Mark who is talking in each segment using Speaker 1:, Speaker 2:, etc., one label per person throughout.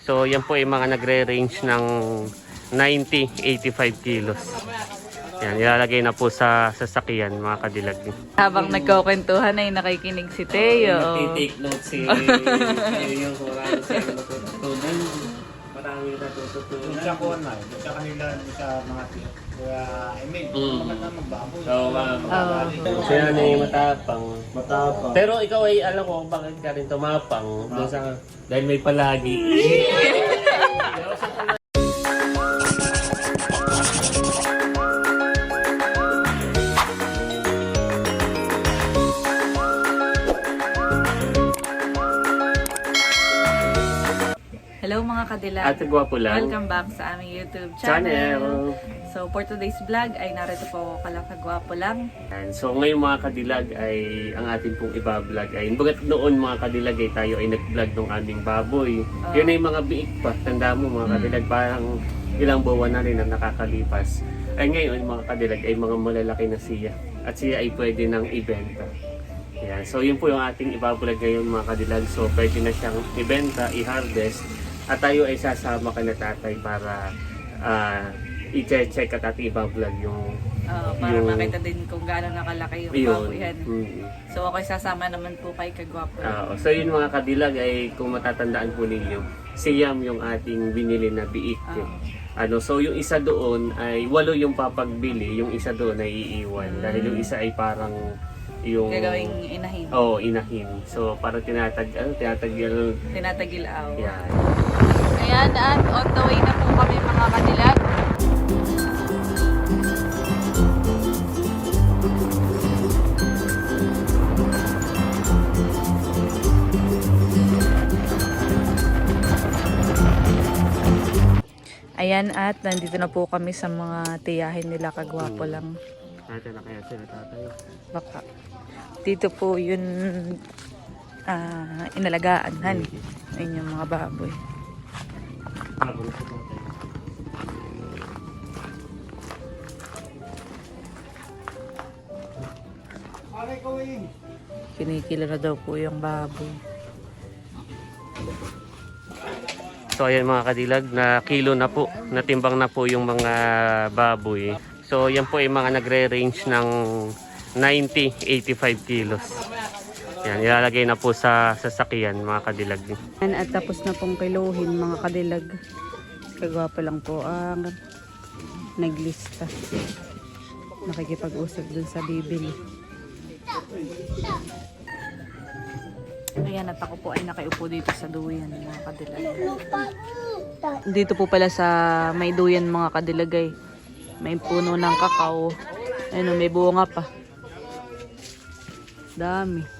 Speaker 1: So yan po ay mga nagre-range ng 90-85 kilos. Yan, ilalagay na po sa sasakyan mga kadilag.
Speaker 2: Habang nagkukwentuhan ay nakikinig si Teo.
Speaker 1: Nagtitake note si yung kurang sa natutunan. Marami natutunan.
Speaker 3: Sa kuwan na, sa kanila, sa mga tiyo. Kaya, I mean, maganda magbaboy.
Speaker 1: Siya na yung matapang.
Speaker 3: Matapang.
Speaker 1: Pero ikaw ay alam ko bakit ka rin tumapang. Doon sa, dahil may palagi.
Speaker 2: Hello mga kadilag.
Speaker 1: Ate Gwapo lang.
Speaker 2: Welcome back sa aming YouTube channel. So for today's vlog ay narito po ako Kagwapo lang.
Speaker 1: And so ngayon mga kadilag ay ang ating pong iba-vlog ay bagat noon mga kadilag ay tayo ay nag-vlog ng aming baboy. Yun ay mga biik pa. Tanda mo mga kadilag parang ilang buwan na rin ang nakakalipas. Ay ngayon mga kadilag ay mga malalaki na siya. At siya ay pwede nang ibenta. Yan. So yun po yung ating iba-vlog ngayon mga kadilag. So pwede na siyang ibenta, i-harvest. At tayo ay sasama ka na tatay para i-check at ating iba-vlog yung
Speaker 2: Para makita din kung gaano nakalaki yung baboyan. So ako ay sasama naman po kay Kagwapo.
Speaker 1: So yun mga kadilag ay kung matatandaan po ninyo, si Yam yung ating binili na biik. So yung isa doon ay 8 yung papagbili, yung isa doon ay iiwan. Dahil yung isa ay parang yung
Speaker 2: Gagawing inahin.
Speaker 1: Inahin. So para tinatagil.
Speaker 2: Tinatagilaw.
Speaker 1: Yan.
Speaker 2: Ayan, at on the way na po kami mga kadilag. Ayan, at nandito na po kami sa mga tiyahin nila Kagwapo lang.
Speaker 1: Ate na kaya sila tatay.
Speaker 2: Baka. Dito po yun inalagaan, han. Ayun yung mga baboy. Kinikilo na daw po yung baboy.
Speaker 1: So ayan mga kadilag, na kilo na po, natimbang na po yung mga baboy. So yan po ay mga nagre-range ng 90-85 kilos. Yan, ilalagay na po sa sasakyan mga kadilag.
Speaker 2: At tapos na pong kiluhin mga kadilag. Kagwapo lang po ang naglista. Nakikipag-usap dun sa bibili. Ayan, at ako po ay nakaiupo dito sa duyan mga kadilag. Dito po pala sa may duyan mga kadilagay. May puno ng kakao. Ayun, may bunga pa. Dami.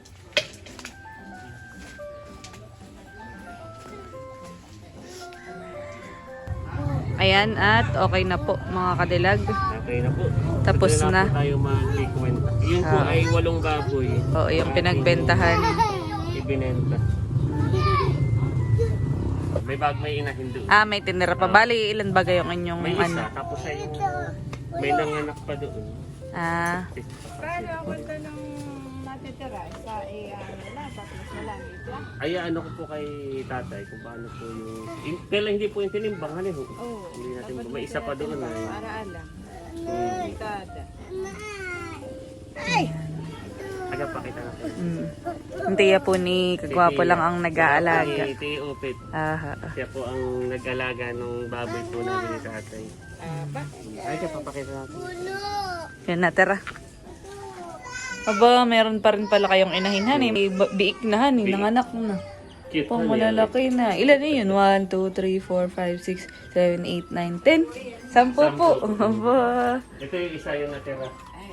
Speaker 2: Ayan, at okay na po mga kadilag.
Speaker 1: Okay na po.
Speaker 2: Tapos na.
Speaker 1: Po tayo mag-kwenta. Yun po ay 8 baboy.
Speaker 2: Oo, yung pinagbentahan.
Speaker 1: Ibinenta. May inahin doon.
Speaker 2: May tinira pa. Bali, ilan ba yung inyong
Speaker 1: May isa, tapos ay may nanganak pa doon.
Speaker 4: Pero ako ito nung natitira sa nila, tapos wala nito.
Speaker 1: Ay, ano ko po kay tatay kung paano po yung... Kailan hindi po yung tinimbangan eh.
Speaker 4: Oo.
Speaker 1: Hindi natin ba? May isa pa doon eh.
Speaker 4: Para alam. Tada.
Speaker 1: Tagapakita natin.
Speaker 2: Ang tiya po ni Kagwapo lang ang nag-aalaga.
Speaker 1: Si Tio Opet. Siya po ang nag-alaga ng baboy po namin ni tatay. Ay, kapapakita natin.
Speaker 2: Yan na, tara. Aba, meron pa rin pala kayong inahinhan eh. May biik na han eh. Nanganak na.
Speaker 1: Cute
Speaker 2: Pang
Speaker 1: na niya.
Speaker 2: malalaki na. Ilan na yun? 1, 2, 3, 4, 5, 6, 7, 8, 9, 10. 10 po. Aba.
Speaker 1: Ito yung isa yung natira.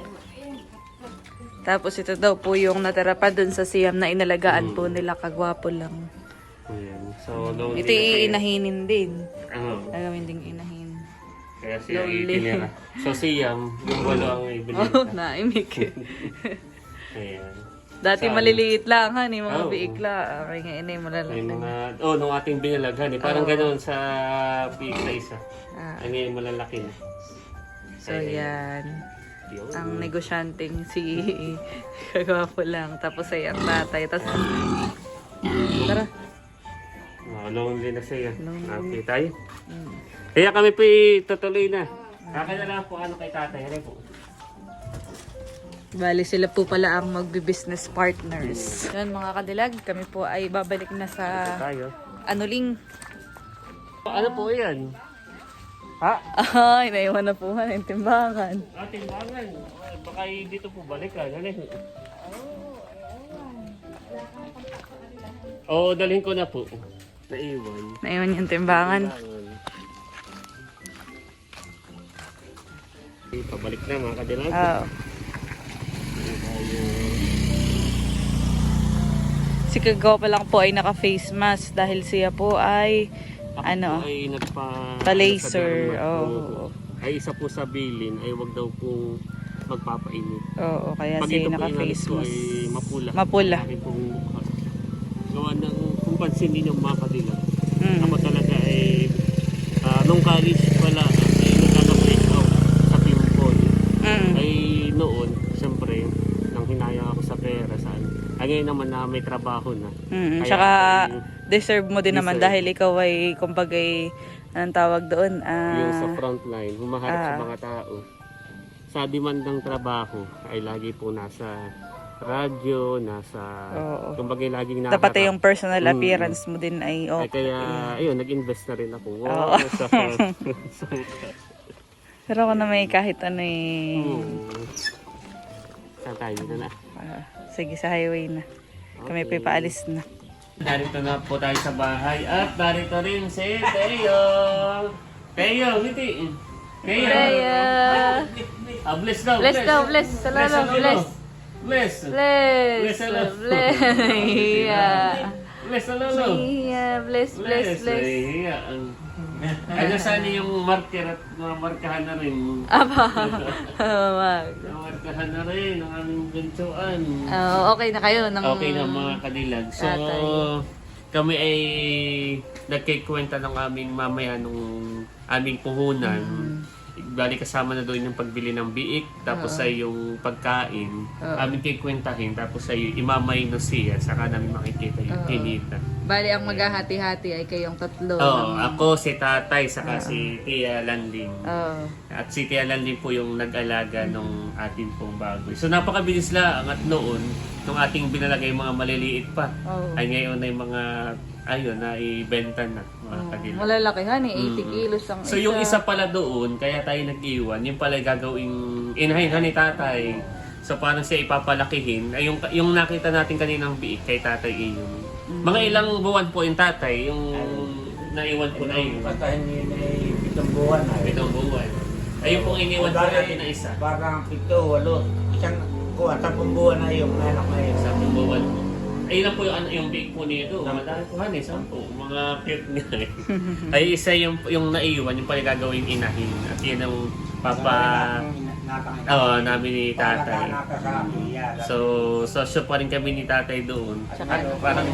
Speaker 2: Tapos ito daw po yung natira pa dun sa siyam na inalagaan po nila Kagwapo lang.
Speaker 1: Ayan. So, nung
Speaker 2: Ito iinahinin din. Gagawin ding inahin.
Speaker 1: Kaya siya itinira. So, si Yam, yung 8 ang ibinenta.
Speaker 2: Oh, naimik.
Speaker 1: Ayan.
Speaker 2: Dati maliliit lang han, mga
Speaker 1: Oo.
Speaker 2: biik lang. Okay nga inay
Speaker 1: May
Speaker 2: malalaki.
Speaker 1: mga, nung ating binalaghan eh. Parang ganoon sa piik na isa. Ang ngayon malalaki na.
Speaker 2: So yan.
Speaker 1: Yun.
Speaker 2: Ang negosyanteng si Kagwapo lang. Tapos ay ang tatay. Tapos, tara.
Speaker 1: lonely na siya.
Speaker 2: Lonely.
Speaker 1: Okay tayo.
Speaker 2: Mm.
Speaker 1: Kaya kami po tutuloy na. Akin na lang po ano kay tatay. Ano po?
Speaker 2: Bali sila po pala ang magbi-business partners. Yan mga kadilag, kami po ay babalik na sa
Speaker 1: Tayo.
Speaker 2: Anuling.
Speaker 1: Ano po yan? Ha?
Speaker 2: Ay, naiwan na po ng timbangan.
Speaker 1: Timbangan. Baka dito po balikan. Ano? Oo, dalhin ko na po. Naiwan.
Speaker 2: Naiwan yung timbangan.
Speaker 1: Pabalik na mga kadilag.
Speaker 2: Oo. Si Kagawa pa lang po ay naka-face mask dahil siya po ay
Speaker 1: Ako po ay nagpa...
Speaker 2: pa-laser.
Speaker 1: sa derma.
Speaker 2: Oo.
Speaker 1: Ay isa po sa bilin ay wag daw po magpapainit.
Speaker 2: Oo, kaya
Speaker 1: Pag
Speaker 2: siya
Speaker 1: ito po
Speaker 2: naka-face
Speaker 1: inalis ko
Speaker 2: mask.
Speaker 1: ay mapula.
Speaker 2: Mapula.
Speaker 1: Aking pong mukha. Gawa ng kung pansin ninyo mga kadilag.
Speaker 2: Mm.
Speaker 1: Ako talaga ay nung college pala ay nagkaka-break out sa pimple.
Speaker 2: Mm.
Speaker 1: Ay noon, siyempre, nang hinaya ako sa pera saan. Ay ngayon naman na may trabaho na.
Speaker 2: Mm.
Speaker 1: Kaya
Speaker 2: Tsaka
Speaker 1: ay-
Speaker 2: deserve mo din naman
Speaker 1: Deserve.
Speaker 2: dahil ikaw ay kumbaga anong tawag doon?
Speaker 1: Yung sa frontline, humaharap sa
Speaker 2: Ah.
Speaker 1: mga tao. Sa demandang trabaho ay lagi po nasa radyo, nasa...
Speaker 2: Oo.
Speaker 1: Kumbaga laging
Speaker 2: Dapat
Speaker 1: nakaharap.
Speaker 2: yung personal
Speaker 1: Mm.
Speaker 2: appearance mo din ay
Speaker 1: Ay,
Speaker 2: okay.
Speaker 1: kaya, ayun, nag-invest na rin ako.
Speaker 2: Oo.
Speaker 1: Wow, sa...
Speaker 2: Pero ako na may kahit ano eh.
Speaker 1: Saan tayo dito na?
Speaker 2: Sige, sa highway na. Kami pa paalis na.
Speaker 1: Narito na po tayo sa bahay at narito rin si Teo. Teo, ngiti. Teo.
Speaker 2: Kaya,
Speaker 1: Bless daw.
Speaker 2: bless daw, bless. Salalo, bless.
Speaker 1: Bless.
Speaker 2: Bless.
Speaker 1: Bless, hello.
Speaker 2: Bless. Yeah.
Speaker 1: Bless, alolo.
Speaker 2: Yeah, bless, bless, bless.
Speaker 1: Iya. Ay, nasaan yung marker at markahan na rin.
Speaker 2: Aba. Wag.
Speaker 1: Markahan na rin ang aming bintuan.
Speaker 2: Okay na kayo ng
Speaker 1: Okay na mga kadilag. So,
Speaker 2: Tatay.
Speaker 1: kami ay nagkikwenta ng aming mamaya nung aming puhunan. Bali kasama na doon yung pagbili ng biik, tapos ay yung pagkain, aming kikwentahin, tapos ay imamay na siya, saka namin makikita yung kinita.
Speaker 2: Bali, ang maghahati-hati ay kayong tatlo.
Speaker 1: Oo, ako, si tatay, saka si Tia Landing.
Speaker 2: Oo.
Speaker 1: At si Tia Landing po yung nag-alaga nung ating pong baboy. So napakabilis lang at noon, nung ating binalagay mga maliliit pa,
Speaker 2: Oo.
Speaker 1: ay ngayon ay mga, ayun, na ibenta na mga kadilag.
Speaker 2: Malalakihan eh, 80 kilos ang
Speaker 1: So yung isa pala doon, kaya tayo nag-iwan, yung pala gagawing inahin ni tatay. So paano siya ipapalakihin? Ay, yung nakita natin kaninang biik kay tatay iyon. Mga ilang buwan po yung tatay, yung naiwan po na yun.
Speaker 3: Basta hindi na 7 buwan na.
Speaker 1: 7 buwan. Ayun pong iniwan po natin na isa.
Speaker 3: Parang 7, 8. Isang kuha, 10 buwan na yung anak na yun.
Speaker 1: 10 buwan. Ayun lang po yung biik po nito. Madami po han eh, 10. Mga cute nga eh. Ay isa yung naiwan, yung pala gagawing inahin. At yun ang namin ni tatay. So, sosyo pa rin kami ni tatay doon. At parang,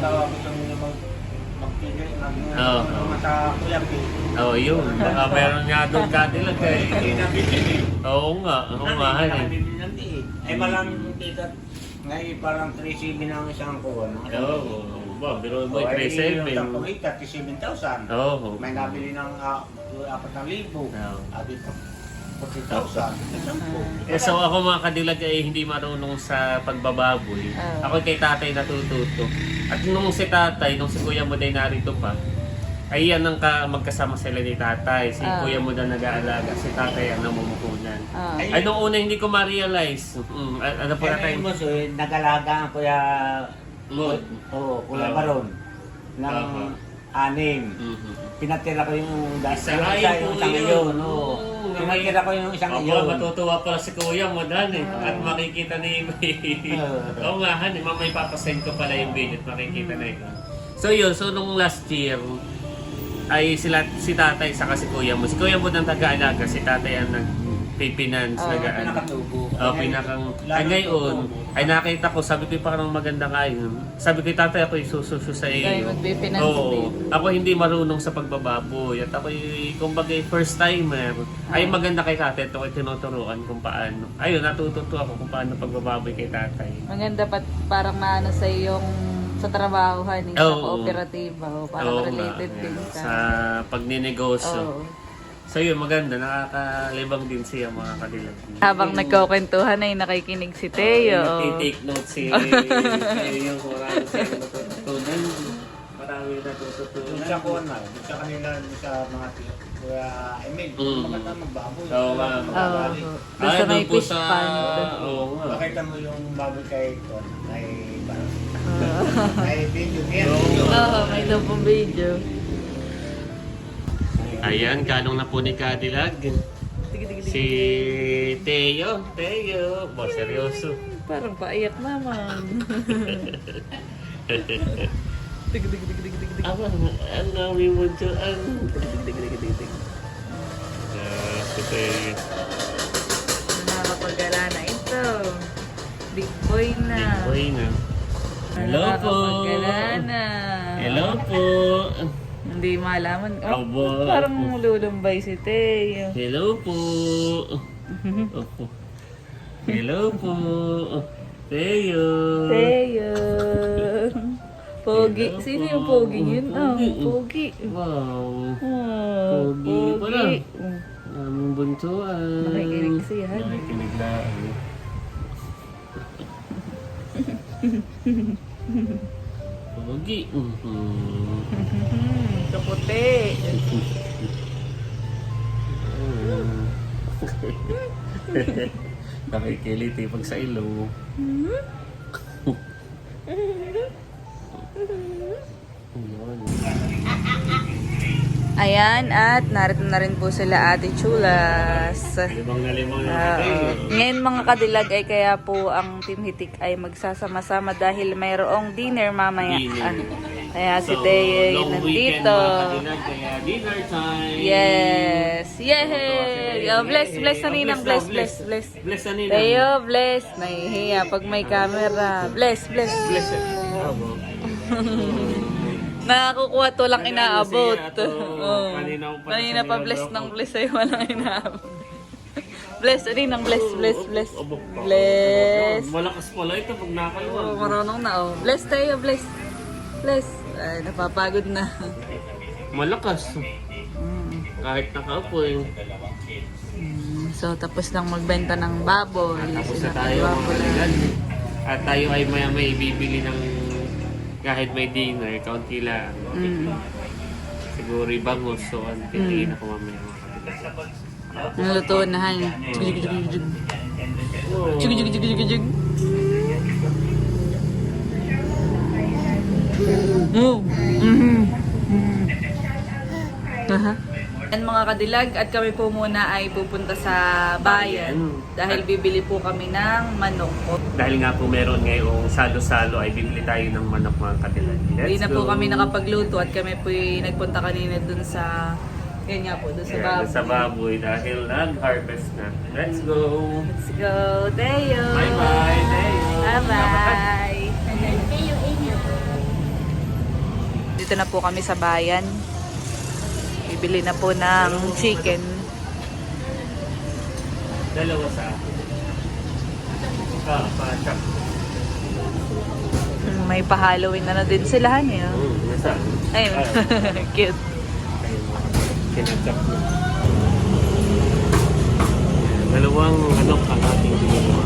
Speaker 1: Oo. oh, yun. Baka meron nga doon kadilag eh. Oo nga, han eh.
Speaker 3: Ay parang tita, ngayon parang 3.7 na ang isang kuha.
Speaker 1: Oo, ba, pero mo,
Speaker 3: Ay,
Speaker 1: 3.7.
Speaker 3: yung 37,000.
Speaker 1: Oo.
Speaker 3: May nabili ng 4,000. At ito, 40,000.
Speaker 1: Eh, so ako mga kadilag ay hindi marunong sa pagbababoy. Ako kay tatay natututo. At nung si tatay, nung si kuya mo day narito pa, ay yan ang magkasama sila ni tatay. Si kuya mo daw nag-aalaga, si tatay ang namumuhunan. Ay nung una hindi ko ma-realize. Ano po
Speaker 3: Kaya
Speaker 1: tatay?
Speaker 3: mo, so, nag-alaga ang kuya, kuya Baron, ng 6. Pinatira ko yung
Speaker 1: Isa
Speaker 3: yung
Speaker 1: ay po
Speaker 3: isang
Speaker 1: yun.
Speaker 3: iyon.
Speaker 1: Oo.
Speaker 3: Pinatira ko yung isang
Speaker 1: Ako,
Speaker 3: iyon.
Speaker 1: matutuwa pala si kuya mo dan eh. At makikita na yung Oo nga, han, mamay papasend ko pala yung video at makikita na yun. So yun, so nung last year, ay si tatay saka si kuya mo. Si kuya mo nang taga-alaga, si tatay ang nag-finance,
Speaker 3: Pinakatubo.
Speaker 1: pinakang... Ay ngayon, ay nakita ko, sabi ko parang maganda nga yun. Sabi ko, tatay, ako isususo sa iyo.
Speaker 2: Kayo magbe-finance
Speaker 1: Oo.
Speaker 2: din.
Speaker 1: Ako hindi marunong sa pagbababoy. At ako, kumbaga, first timer. Ay maganda kay tatay. Ito ko tinuturuan kung paano. Ayun, natututo ako kung paano pagbababoy kay tatay.
Speaker 2: Maganda pa parang maano sa yung sa trabahohan, sa
Speaker 1: Oo.
Speaker 2: kooperatiba. Parang
Speaker 1: Oo nga,
Speaker 2: related din
Speaker 1: ayan,
Speaker 2: sa...
Speaker 1: sa pagninegosyo.
Speaker 2: Oo.
Speaker 1: So yun, maganda. Nakakalibang din siya mga kadilag.
Speaker 2: Habang nagkukwentuhan ay nakikinig si Teo.
Speaker 1: Nagtitake note si Teo kung marami siyang natutunan. Marami natututunan.
Speaker 3: Doon sa kuwan na, doon sa kanila, doon sa mga tilo. Kaya, maganda magbaboy.
Speaker 1: Oo nga.
Speaker 2: Oo. Doon sa may
Speaker 1: doon po
Speaker 2: fish pond.
Speaker 1: Oo nga.
Speaker 3: Makita mo yung baboy kay Ton, ay parang, ay video yan.
Speaker 2: Oo, may daw pong video.
Speaker 1: Ayan, kanong na po ni Kadilag. Si Teo. Bo, seryoso.
Speaker 2: Parang paiyak naman.
Speaker 1: Ang dami mo dyan. Si Teo.
Speaker 2: Nakakapagala na ito. Big boy na.
Speaker 1: Big boy na. Hello po.
Speaker 2: Nakakapagala na.
Speaker 1: Hello po.
Speaker 2: Hindi malaman. Oh,
Speaker 1: Abo.
Speaker 2: parang lulumbay si Teo.
Speaker 1: Hello po. Opo. Hello po. Teo.
Speaker 2: Teo. Pogi.
Speaker 1: Hello
Speaker 2: Sino
Speaker 1: po.
Speaker 2: yung pogi yun? Oh,
Speaker 1: Pogi.
Speaker 2: pogi.
Speaker 1: Wow.
Speaker 2: Oh,
Speaker 1: Pogi pala. Aming buntuan.
Speaker 2: Nakikinig siya.
Speaker 1: Nakikinig lang. Pogi.
Speaker 2: Kaputi.
Speaker 1: Nakikiliti pag sa ilo.
Speaker 2: Ayan, at narito na rin po sila Ate Chulas.
Speaker 1: Limang na limang
Speaker 2: Ngayon mga kadilag ay kaya po ang Team Hitik ay magsasama-sama dahil mayroong dinner mamaya.
Speaker 1: Dinner.
Speaker 2: Kaya si Teo ay nandito.
Speaker 1: Kaya dinner time.
Speaker 2: Yes! Yay! Oh, bless na ninang. Bless.
Speaker 1: Bless na ninang.
Speaker 2: Teo, bless. Nahihiya pag may camera. Bless.
Speaker 1: Bless. Abo.
Speaker 2: Nakakukuha to lang inaabot. Oh.
Speaker 1: Kanina
Speaker 2: pa bless ng bless ay walang inaabot. Bless, ninang bless. Bless.
Speaker 1: Malakas pala ito pag nakaluwag.
Speaker 2: Oh, marunong na oh. Bless tayo, bless. Ay, napapagod na.
Speaker 1: Malakas. Kahit nakaupo eh.
Speaker 2: So, tapos lang magbenta ng baboy.
Speaker 1: Tapos na tayo mga kaibigan. At tayo ay maya-may bibili ng kahit may dinner, kaunti lang. Siguro ibangos. So, piliin ako mamaya mga kaibigan.
Speaker 2: Naluto na han. Jig. Move. Yan mga kadilag, at kami po muna ay pupunta sa bayan dahil bibili po kami ng manok.
Speaker 1: Dahil nga po meron ngayong salo-salo ay bibili tayo ng manok mga kadilag.
Speaker 2: Hindi na po kami nakapagluto at kami po nagpunta kanina dun sa, yan nga po, dun sa baboy.
Speaker 1: Sa baboy dahil nag-harvest na. Let's go!
Speaker 2: Let's go, Teo!
Speaker 1: Bye-bye! Teo!
Speaker 2: Bye-bye! Dito na po kami sa bayan. Bibili na po ng chicken.
Speaker 1: Dalawa sa akin. Pa-chop.
Speaker 2: May pa-Halloween na din sila, eh.
Speaker 1: Nasa?
Speaker 2: Ayun. Cute.
Speaker 1: Kinachop na. Dalawang manok ang ating ginagawa.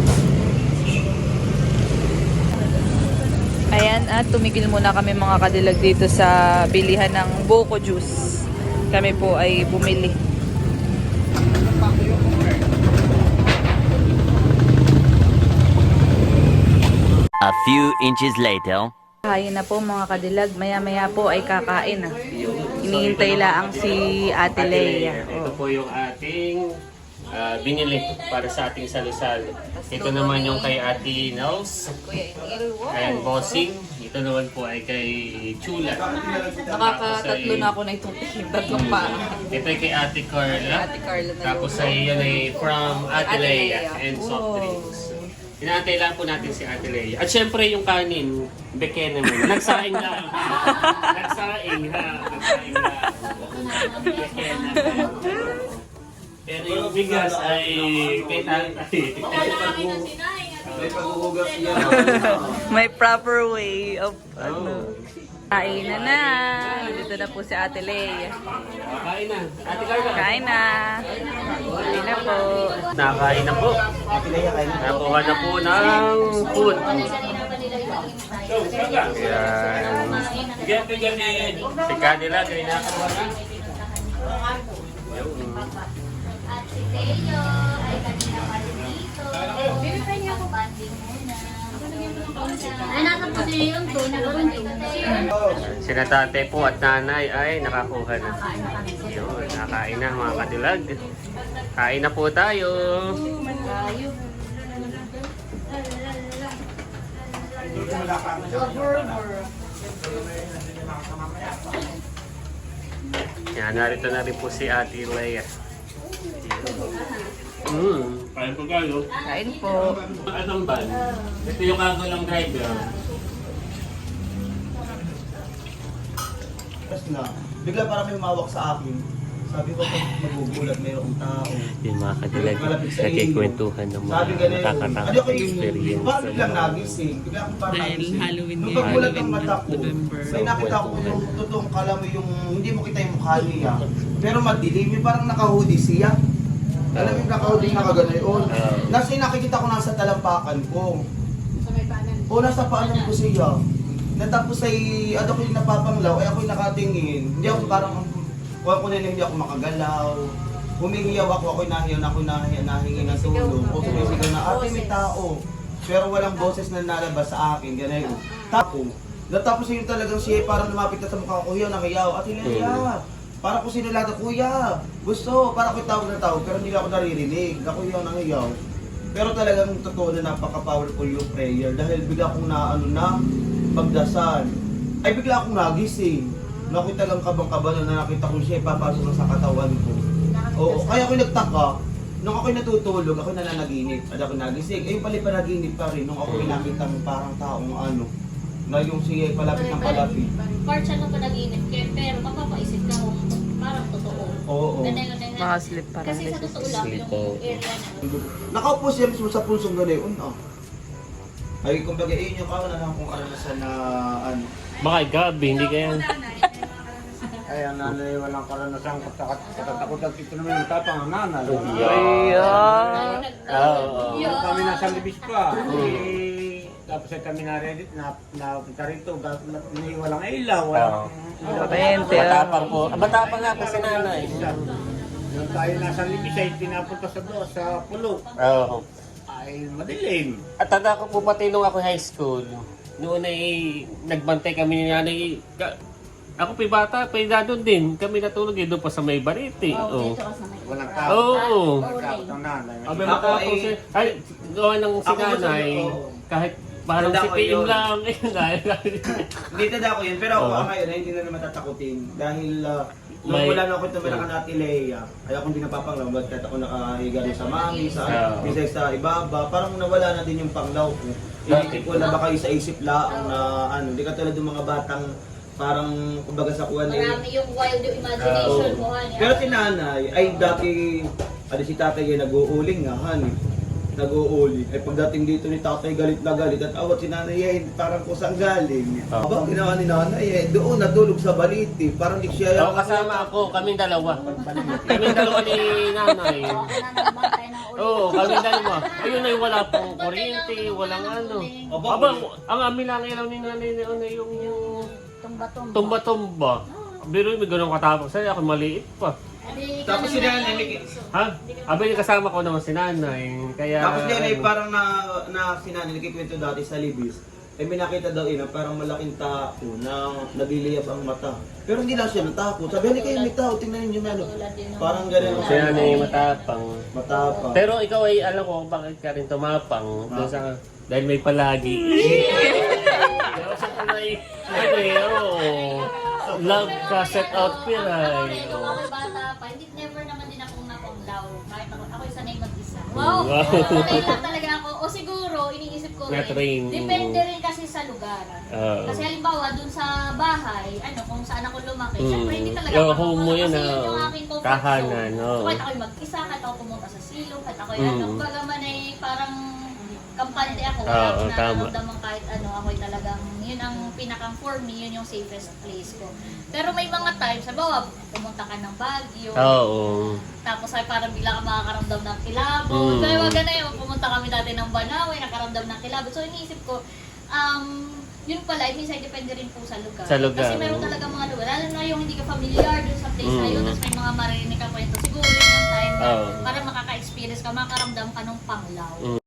Speaker 2: Ayan, at tumigil muna kami mga kadilag dito sa bilihan ng Boko Juice. Kami po ay bumili.
Speaker 5: A few inches later.
Speaker 2: Kain na po mga kadilag. Maya-maya po ay kakain na. Hinihintay lang si Ate Leia.
Speaker 1: Ito po yung ating binili para sa ating salo-salo. Ito naman yung kay Ate Nels. Ayan, bossing. Ito naman po ay kay Chula.
Speaker 2: Nakakatatlo na ako na itong tatlong pa.
Speaker 1: Ito ay kay Ate Carla.
Speaker 2: Ate Carla na
Speaker 1: Tapos ay yan ay from Ate
Speaker 2: Ate
Speaker 1: Leia
Speaker 2: Leia.
Speaker 1: and soft
Speaker 2: Wow.
Speaker 1: drinks. Inaantay lang po natin si Ate Leia. At syempre yung kanin, beke naman. Nagsaing lang. Nagsaing ha. Nagsaing lang. Beke naman. Pero yung bigas ay kay tatay.
Speaker 3: May paghuhugas yan.
Speaker 2: May proper way of ano. Kain na. Dito na po si Ate Lea.
Speaker 1: Kain na. Ate Carla.
Speaker 2: Kain na. Kain na po.
Speaker 1: Nakain na po. Nakuha na po ng food. Yan. Si Kanila, kaya nakakuha na.
Speaker 6: At si Teo ay kanina pa rin dito. Binibigyan niya ako banding muna. Ay, nasa po si Leon to. Nagkaroon to.
Speaker 1: Sina tate po at nanay ay nakakuha na. Yun, nakain na mga kadilag. Kain na po tayo. Yan, narito na rin po si Ate Lea. Kain po kayo.
Speaker 2: Kain po.
Speaker 1: Anong ban? Ito yung kagalang driver.
Speaker 3: Tapos na, bigla parang may umawak sa akin. Sabi ko, pag magugulat, mayroong tao.
Speaker 1: Yung mga kadilag, nakikwentuhan ng mga
Speaker 3: Sabi ganun,
Speaker 1: nakakatakot
Speaker 3: ano ko yung,
Speaker 1: experience.
Speaker 3: parang biglang nagising. Bigla akong parang
Speaker 2: Dahil
Speaker 3: nagising.
Speaker 2: Halloween
Speaker 3: Nung
Speaker 2: ngayon,
Speaker 3: pagbulat ng
Speaker 2: Halloween
Speaker 3: mata ko,
Speaker 2: November.
Speaker 3: may nakita ko yung totoong kala mo yung, hindi mo kita yung mukha niya. Pero madilim, yung parang naka-hoodie siya. Alam mo yung naka-hoodie nakaganoon. Nasa yung nakikita ko nasa talampakan ko.
Speaker 4: Sa may panan.
Speaker 3: O nasa paanan ko siya. Natapos ay, ano ko yung napapanglaw, ay ako yung nakatingin. Hindi ako parang, kung ako na hindi ako makagalaw. Humingiyaw ako, ako'y nahingi ng tulong. O sumisigaw na, ate may tao. Pero walang boses na nalabas sa akin, ganun. Tapos, natapos yun talagang siya, parang lumapit na sa mukha ko, hiyaw, nakayaw, ate Leia. Para ko sinulata, kuya, gusto, para ko tawag na tawag, pero hindi ako naririnig. Ako hiyaw, nakayaw. Pero talagang totoo na napaka-powerful yung prayer dahil bigla akong na pagdasal. Ay bigla akong nagising. Nakita lang kabang-kaba na nakita ko siya, papasok na sa katawan ko. Oo, kaya ako nagtaka. Nung ako'y natutulog, ako nananaginip. At ako nagising. Ayun pala panaginip pa rin nung ako'y nakita ng parang taong ano. Na yung siya palapit ng palapit.
Speaker 6: Part siya ng panaginip kayo, pero mapapaisip ka kung parang totoo.
Speaker 3: Oo.
Speaker 6: Ganun.
Speaker 2: Mga sleep
Speaker 6: Kasi sa
Speaker 2: paralysis.
Speaker 6: totoo lang
Speaker 1: Sleep,
Speaker 6: yung
Speaker 1: oo.
Speaker 6: area na.
Speaker 3: Nakaupo siya mismo sa pulsong gano'n. Ay, kumbaga, yun yung kawan na lang kung karanasan na ano.
Speaker 1: Baka gabi, hindi kaya.
Speaker 3: Ay, ang nanay walang karanasan katakot at ito naman yung tapang ang nanay.
Speaker 2: Ayan.
Speaker 1: Oo.
Speaker 3: Kami nasa libis pa. Tapos ay kami na-ready, napunta rito, walang ilaw, walang
Speaker 2: Kurente.
Speaker 1: Matapang po. Matapang nga po si nanay.
Speaker 3: Yung tayo nasa libis ay pinapunta sa pulo.
Speaker 1: Oo.
Speaker 3: Ay, madilim.
Speaker 1: At tanda ko po pati nung ako high school, noon ay nagbantay kami ni nanay. Ako pa bata, pa doon din. Kami natulog doon pa sa may bariti. Oo.
Speaker 3: Walang tao.
Speaker 1: Oo.
Speaker 3: Walang tao ng nanay.
Speaker 1: Abi matapos ay gawa ng si nanay. Kahit parang si PM lang.
Speaker 3: Dito na ako yun, pero ako
Speaker 1: Oo.
Speaker 3: ngayon ay hindi na naman tatakutin. Dahil
Speaker 1: May-
Speaker 3: nung wala na ako tumira ka natin Leia, ay ako hindi napapanglaw. Ba't kahit ako nakahiga rin sa mami, sa
Speaker 1: Oo.
Speaker 3: sa ibaba, parang nawala na din yung panglaw ko. Inisip ko na baka sa isip laang na ano, hindi katulad ng mga batang parang kumbaga sa kuwan eh.
Speaker 6: Marami yung wild yung imagination mo, honey.
Speaker 3: Pero si nanay, ay dati, si tatay ay nag-uuling nga, honey. Nag-uuli. Ay pagdating dito ni tatay galit na galit at awat si nanay ay parang kusang galing. Aba, ginawa ni nanay eh, doon natulog sa baliti. Parang di siya...
Speaker 1: Oo, kasama ako. Kaming dalawa. Kaming dalawa ni nanay. Oo, kaming dalawa. Ayun ay wala pong kuryente, walang ano. Aba, ang amin lang ilaw ni nanay na yung tumba-tumba. Pero may ganun katapos sa'yo, ako maliit pa.
Speaker 3: Tapos si nanay,
Speaker 1: Ha? Abay, kasama ko naman si nanay. Kaya...
Speaker 3: tapos yan ay parang na si nanay, nagkikwento dati sa Libis. Eh may nakita daw na parang malaking tao na nagliliyab ang mata. Pero hindi lang siya natakot. Sabi, hindi kayo may tao, tingnan niyo ano. Parang ganun.
Speaker 1: Si nanay matapang.
Speaker 3: Matapang.
Speaker 1: Pero ikaw ay alam ko bakit ka rin tumapang. Doon sa... Dahil may palagi. Pero sa tunay, ano eh, oo. Love ka set out
Speaker 6: Pero
Speaker 1: piray.
Speaker 6: nung ako bata pa, hindi never naman din akong napanglaw. Kahit ako sanay mag-isa. Wow!
Speaker 1: Wow.
Speaker 6: Sanay lang talaga ako. O siguro, iniisip ko rin.
Speaker 1: Na-train.
Speaker 6: Depende rin kasi sa lugar.
Speaker 1: Oo.
Speaker 6: Kasi halimbawa, dun sa bahay, kung saan ako lumaki,
Speaker 1: Mm.
Speaker 6: syempre hindi talaga
Speaker 1: Yo,
Speaker 6: ako
Speaker 1: home mo yun,
Speaker 6: kasi
Speaker 1: ah.
Speaker 6: yun yung aking comfort
Speaker 1: Tahanan,
Speaker 6: zone.
Speaker 1: oo.
Speaker 6: So, kahit ako'y mag-isa, kahit ako pumunta sa silong, kahit ako'y
Speaker 1: Mm.
Speaker 6: kumbaga man ay parang kampante ako, wala
Speaker 1: Oo,
Speaker 6: akong
Speaker 1: tama.
Speaker 6: nararamdaman kahit ano, ako'y talagang, yun ang pinakang for me, yun yung safest place ko. Pero may mga times, sabawa, pumunta ka ng Baguio,
Speaker 1: Oo.
Speaker 6: tapos ay parang bigla ka makakaramdam ng kilabot. Kaya wag na yun, pumunta kami dati ng Banawe, nakaramdam ng kilabot. So iniisip ko, yun pala, minsan depende rin po sa lugar.
Speaker 1: Sa lugar,
Speaker 6: Kasi meron
Speaker 1: oo.
Speaker 6: talaga mga lugar, lalo na yung hindi ka familiar dun sa place na yun, tapos may mga maririnig ka kwento. Siguro yun yung time na
Speaker 1: Oo.
Speaker 6: para makaka-experience ka, makaramdam ka ng panglaw.